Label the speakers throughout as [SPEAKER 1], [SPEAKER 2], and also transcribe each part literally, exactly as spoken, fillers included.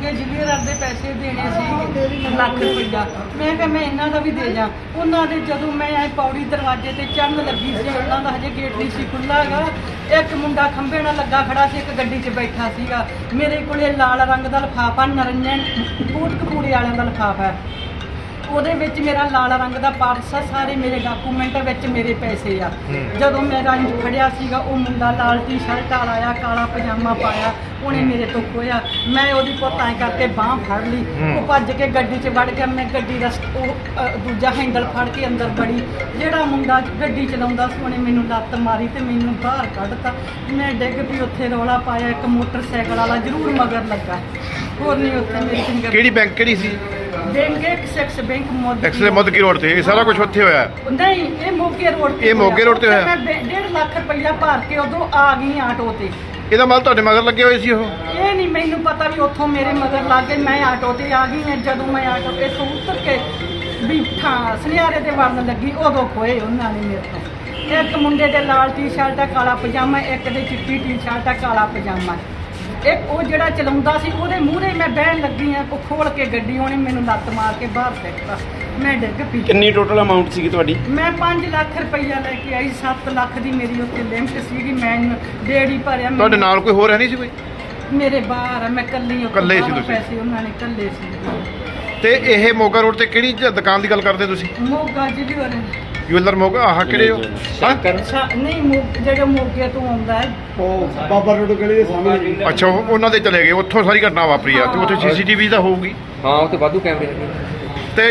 [SPEAKER 1] ਅੱਗੇ ਜ਼ਿਲ੍ਹੇਦਾਰ ਦੇ ਪੈਸੇ ਦੇਣੇ ਸੀ ਲੱਖ ਰੁਪਈਆ। ਮੈਂ ਕਿਹਾ ਮੈਂ ਇਹਨਾਂ ਦਾ ਵੀ ਦੇ ਜਾ। ਉਹਨਾਂ ਦੇ ਜਦੋਂ ਮੈਂ ਐ ਪੌੜੀ ਦਰਵਾਜ਼ੇ ਤੇ ਚੜ੍ਹਨ ਲੱਗੀ ਸੀ, ਉਹਨਾਂ ਦਾ ਹਜੇ ਗੇਟ ਨਹੀਂ ਸੀ ਖੁੱਲ੍ਹਾ ਹੈਗਾ। ਇੱਕ ਮੁੰਡਾ ਖੰਭੇ ਨਾਲ ਲੱਗਾ ਖੜਾ ਸੀ, ਇੱਕ ਗੱਡੀ 'ਚ ਬੈਠਾ ਸੀਗਾ। ਮੇਰੇ ਕੋਲੇ ਲਾਲ ਰੰਗ ਦਾ ਲਿਫਾਫਾ ਨਰੰਜਨ ਕੋਟਕਪੂਰੇ ਵਾਲਿਆਂ ਦਾ ਲਿਫਾਫਾ ਹੈ, ਉਹਦੇ ਵਿੱਚ ਮੇਰਾ ਲਾਲ ਰੰਗ ਦਾ ਪਰਸ ਆ, ਸਾਰੇ ਮੇਰੇ ਡਾਕੂਮੈਂਟ ਵਿੱਚ ਮੇਰੇ ਪੈਸੇ ਆ। ਜਦੋਂ ਮੈਂ ਰੰਜ ਫੜਿਆ ਸੀਗਾ, ਉਹ ਮੁੰਡਾ ਲਾਲ ਟੀ ਸ਼ਰਟ ਵਾਲਾ ਆ, ਕਾਲਾ ਪਜਾਮਾ ਪਾਇਆ, ਉਹਨੇ ਮੇਰੇ ਤੋਂ ਖੋਇਆ। ਮੈਂ ਉਹਦੀ ਪੁੱਤ ਐਂ ਕਰਕੇ ਬਾਂਹ ਫੜ ਲਈ, ਉਹ ਭੱਜ ਕੇ ਗੱਡੀ 'ਚ ਵੜ ਗਿਆ। ਮੈਂ ਗੱਡੀ ਦਾ ਉਹ ਅ, ਦੂਜਾ ਹੈਂਡਲ ਫੜ ਕੇ ਅੰਦਰ ਵੜੀ। ਜਿਹੜਾ ਮੁੰਡਾ ਗੱਡੀ ਚਲਾਉਂਦਾ ਸੀ ਉਹਨੇ ਮੈਨੂੰ ਲੱਤ ਮਾਰੀ ਤੇ ਮੈਨੂੰ ਬਾਹਰ ਕੱਢਤਾ। ਮੈਂ ਡਿੱਗ ਪਈ, ਉੱਥੇ ਰੌਲਾ ਪਾਇਆ। ਇੱਕ ਮੋਟਰਸਾਈਕਲ ਵਾਲਾ ਜ਼ਰੂਰ ਮਗਰ ਲੱਗਾ, ਹੋਰ ਨਹੀਂ ਉੱਥੇ ਮੇਰੀ ਫਿੰਗਰ।
[SPEAKER 2] ਕਿਹੜੀ ਬੈਂਕ ਕਿਹੜੀ ਸੀ?
[SPEAKER 1] ਬੈਂਕ ਐਕਸਿਸ ਬੈਂਕ ਮੋਦੀ
[SPEAKER 2] ਐਕਸਲੇ ਮੋਦਕੀ ਰੋਡ ਤੇ ਇਹ ਸਾਰਾ ਕੁਝ ਉੱਥੇ ਹੋਇਆ?
[SPEAKER 1] ਨਹੀਂ, ਇਹ ਮੋਗੇ ਰੋਡ ਤੇ।
[SPEAKER 2] ਇਹ ਮੋਗੇ ਰੋਡ ਤੇ ਹੋਇਆ?
[SPEAKER 1] ਮੈਂ ਡੇਢ ਲੱਖ ਰੁਪਈਆ ਭਰ ਕੇ ਉਦੋਂ ਆ ਗਈ ਆਟੋ ਤੇ।
[SPEAKER 2] ਇਹਦਾ ਮਤਲਬ ਤੁਹਾਡੇ ਮਗਰ ਲੱਗੇ ਹੋਏ ਸੀ ਉਹ?
[SPEAKER 1] ਇਹ ਨਹੀਂ ਮੈਨੂੰ ਪਤਾ ਵੀ ਉੱਥੋਂ ਮੇਰੇ ਮਗਰ ਲੱਗ ਗਏ। ਮੈਂ ਆਟੋ ਤੇ ਆ ਗਈ ਹਾਂ। ਜਦੋਂ ਮੈਂ ਆਟੋ ਤੇ ਤੋਂ ਉਤਰ ਕੇ ਵੀ ਥਾਂ ਸੁਨਿਆਰੇ ਤੇ ਵੜਨ ਲੱਗੀ, ਉਦੋਂ ਖੋਏ ਉਹਨਾਂ ਨੇ ਮੇਰੇ ਤੋਂ। ਇੱਕ ਮੁੰਡੇ ਦੇ ਲਾਲ ਟੀ ਸ਼ਰਟ ਆ, ਕਾਲਾ ਪਜਾਮਾ, ਇੱਕ ਦੇ ਚਿੱਟੀ ਟੀ ਸ਼ਰਟ ਆ, ਕਾਲਾ ਪਜਾਮਾ। ਇੱਕ ਉਹ ਜਿਹੜਾ ਚਲਾਉਂਦਾ ਸੀ, ਉਹਦੇ ਮੂਹਰੇ ਮੈਂ ਬਹਿਣ ਲੱਗੀ ਆ, ਉਹ ਖੋਲ ਕੇ ਗੱਡੀ, ਉਹਨੇ ਮੈਨੂੰ ਲੱਤ ਮਾਰ ਕੇ ਬਾਹਰ ਫੇਂਕਤਾ। ਮੈਂ ਡਿੱਗ ਪਈ।
[SPEAKER 3] ਕਿੰਨੀ ਟੋਟਲ ਅਮਾਉਂਟ ਸੀਗੀ ਤੁਹਾਡੀ?
[SPEAKER 1] ਮੈਂ ਪੰਜ ਲੱਖ ਰੁਪਈਆ ਲੈ ਕੇ ਆਈ। ਸੱਤ ਲੱਖ ਦੀ ਮੇਰੀ ਉੱਥੇ ਲਿਮਟ ਸੀਗੀ। ਮੈਂ ਡੇੜੀ ਭਰਿਆ।
[SPEAKER 2] ਤੁਹਾਡੇ ਨਾਲ ਕੋਈ ਹੋਰ ਹੈ ਨਹੀਂ ਸੀ ਕੋਈ?
[SPEAKER 1] ਮੇਰੇ ਬਾਹਰ ਆ, ਮੈਂ ਕੱਲੀ ਉੱਥੇ
[SPEAKER 2] ਇਕੱਲੇ ਸੀ
[SPEAKER 1] ਬਾਹਰੋਂ
[SPEAKER 2] ਤੁਸੀਂ?
[SPEAKER 1] ਪੈਸੇ ਉਹਨਾਂ ਨੇ ਕੱਲੇ ਸੀ।
[SPEAKER 2] ਤੇ ਇਹ ਮੋਗਾ ਰੋਡ ਤੇ ਕਿਹੜੀ ਜ- ਦੁਕਾਨ ਦੀ ਗੱਲ ਕਰਦੇ ਤੁਸੀਂ?
[SPEAKER 1] ਮੋਗਾ ਜਿਹੜੀ ਵਾਲੇ
[SPEAKER 2] ਜੁਐਲਰ ਮੋਗਾ, ਆਹ ਕਿਹੜੇ ਹੋ? ਹਾਂ?
[SPEAKER 1] ਅੱਛਾ, ਨਹੀਂ ਮੋਗ ਜਿਹੜੇ ਮੋਗੇ ਤੋਂ ਆਉਂਦਾ ਹੈ।
[SPEAKER 4] ਉਹ ਬਾਬਾ ਰੋਡ ਗਲੀ ਦੇ ਸਾਹਮਣੇ।
[SPEAKER 2] ਅੱਛਾ, ਉਹ- ਉਹਨਾਂ ਦੇ ਚਲੇ ਗਏ, ਉੱਥੋਂ ਸਾਰੀ ਘਟਨਾ ਵਾਪਰੀ ਆ। ਤੇ ਉੱਥੇ ਸੀਸੀਟੀਵੀ ਤਾਂ ਹੋਊਗੀ?
[SPEAKER 3] ਹਾਂ, ਉੱਥੇ ਵਾਧੂ ਕੈਮਰੇ ਹੈਗੇ।
[SPEAKER 2] ਤੇ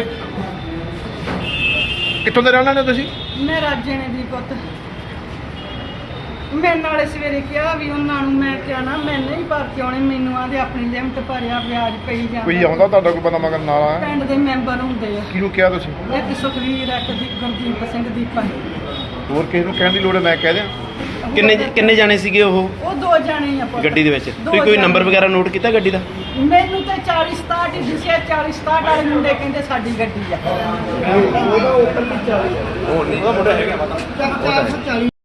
[SPEAKER 2] ਕਿੱਥੋਂ ਦੇ ਰਹਿਣ ਵਾਲੇ ਹੋ ਤੁਸੀਂ?
[SPEAKER 1] ਮੈਂ ਰਾਜੇ ਨੇ ਦੀ ਪੁੱਤ। ਮੈਂ ਨਾਲੇ ਸਵੇਰੇ ਕਿਹਾ ਵੀ ਉਹਨਾਂ ਨੂੰ, ਮੈਂ ਕਿਹਾ ਨਾ ਮੈਂ ਨਹੀਂ ਭਰ ਕੇ ਆਉਣੇ, ਮੈਨੂੰ ਆਂਦੇ ਆਪਣੀ ਲਿਮਟ ਭਰਿਆ, ਵਿਆਜ ਪਈ ਜਾਂਦਾ।
[SPEAKER 2] ਕੋਈ ਆਉਂਦਾ ਤੁਹਾਡਾ ਕੋਈ ਬੰਦਾ ਮਗਰ ਨਾਲ ਆਇਆ?
[SPEAKER 1] ਪਿੰਡ ਦੇ ਮੈਂਬਰ ਹੁੰਦੇ ਆ,
[SPEAKER 2] ਕਿਹਨੂੰ ਕਿਹਾ ਤੁਸੀਂ?
[SPEAKER 1] ਇੱਕ ਸੁਖਵੀਰ, ਇੱਕ ਦੀ ਗੁਰਦੀਪ ਸਿੰਘ ਦੀਪਾ।
[SPEAKER 2] ਹੋਰ ਕਿਸੇ ਨੂੰ ਕਹਿਣ ਦੀ ਲੋੜ ਹੈ? ਮੈਂ ਕਹਿ ਦਿਆਂ।
[SPEAKER 3] ਕਿੰਨੇ ਕਿੰਨੇ ਜਾਣੇ ਸੀਗੇ ਉਹ
[SPEAKER 1] ਉਹ ਦੋ ਜਾਣੇ ਆ ਪੁੱਤ।
[SPEAKER 3] ਗੱਡੀ ਦੇ ਵਿੱਚ?
[SPEAKER 1] ਦੋ
[SPEAKER 3] ਤੁਸੀਂ ਕੋਈ
[SPEAKER 1] ਜਾਣੇ।
[SPEAKER 3] ਨੰਬਰ ਵਗੈਰਾ ਨੋਟ ਕੀਤਾ ਗੱਡੀ ਦਾ?
[SPEAKER 1] ਮੈਨੂੰ ਤਾਂ ਚਾਲੀ ਸਤਾਹਠ ਹੀ ਦਿਸਿਆ। ਚਾਲੀ ਸਤਾਹਠ ਵਾਲੇ ਮੁੰਡੇ ਕਹਿੰਦੇ ਸਾਡੀ ਗੱਡੀ ਆ।
[SPEAKER 4] ਉਹਦਾ ਉੱਪਰ ਵੀ ਚੱਲ
[SPEAKER 3] ਉਹ ਨਹੀਂ, ਉਹਦਾ ਮੁੰਡਾ ਹੈਗਾ ਪਤਾ।
[SPEAKER 4] ਚਾਰ ਸੌ ਚਾਲੀ